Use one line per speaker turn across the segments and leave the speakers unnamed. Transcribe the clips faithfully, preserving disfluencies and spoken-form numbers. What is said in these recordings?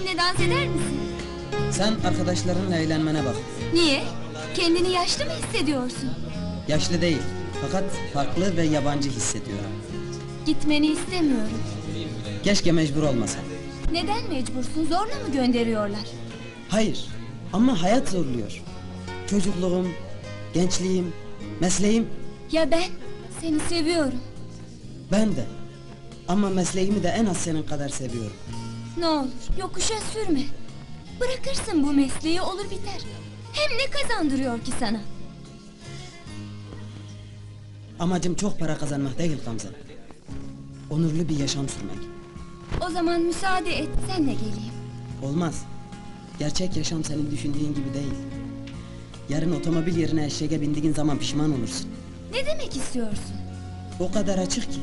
Benimle dans eder misin?
Sen arkadaşlarınla eğlenmene bak.
Niye? Kendini yaşlı mı hissediyorsun?
Yaşlı değil, fakat farklı ve yabancı hissediyorum.
Gitmeni istemiyorum.
Keşke mecbur olmasa.
Neden mecbursun? Zorla mı gönderiyorlar?
Hayır, ama hayat zorluyor. Çocukluğum, gençliğim, mesleğim,
Ya ben? Seni seviyorum.
ben de. Ama mesleğimi de en az senin kadar seviyorum.
Ne olur yokuşa sürme. Bırakırsın bu mesleği, olur biter. Hem ne kazandırıyor ki sana?
Amacım çok para kazanmak değil Gamze. Onurlu bir yaşam sürmek.
O zaman müsaade et, senle geleyim.
Olmaz. Gerçek yaşam senin düşündüğün gibi değil. Yarın otomobil yerine eşeğe bindiğin zaman pişman olursun.
Ne demek istiyorsun?
O kadar açık ki.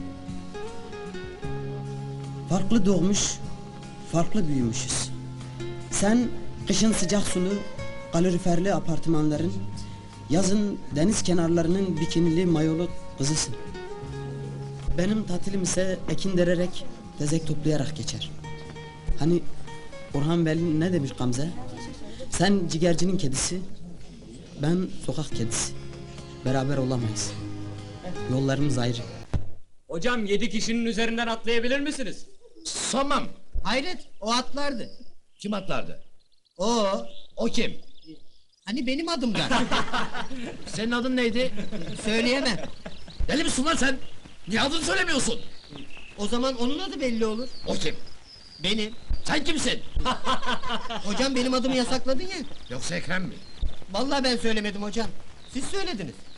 Farklı doğmuş, farklı büyümüşüz. Sen kışın sıcak sulu, kaloriferli apartmanların, yazın deniz kenarlarının bikinili mayolu kızısın. Benim tatilim ise ekin dererek, tezek toplayarak geçer. Hani Orhan Veli ne demiş Gamze? Sen ciğercinin kedisi, ben sokak kedisi. Beraber olamayız. Yollarımız ayrı.
Hocam yedi kişinin üzerinden atlayabilir misiniz?
Sanmam.
Hayret, o atlardı.
Kim atlardı?
O,
O kim?
hani benim adımdan.
Senin adın neydi?
Söyleyemem.
Deli misin lan sen? Niye adını söylemiyorsun?
O zaman onun adı belli olur.
O kim?
Benim.
Sen kimsin?
Hocam benim adımı yasakladın ya.
Yoksa Ekrem mi?
Vallahi ben söylemedim hocam. Siz söylediniz.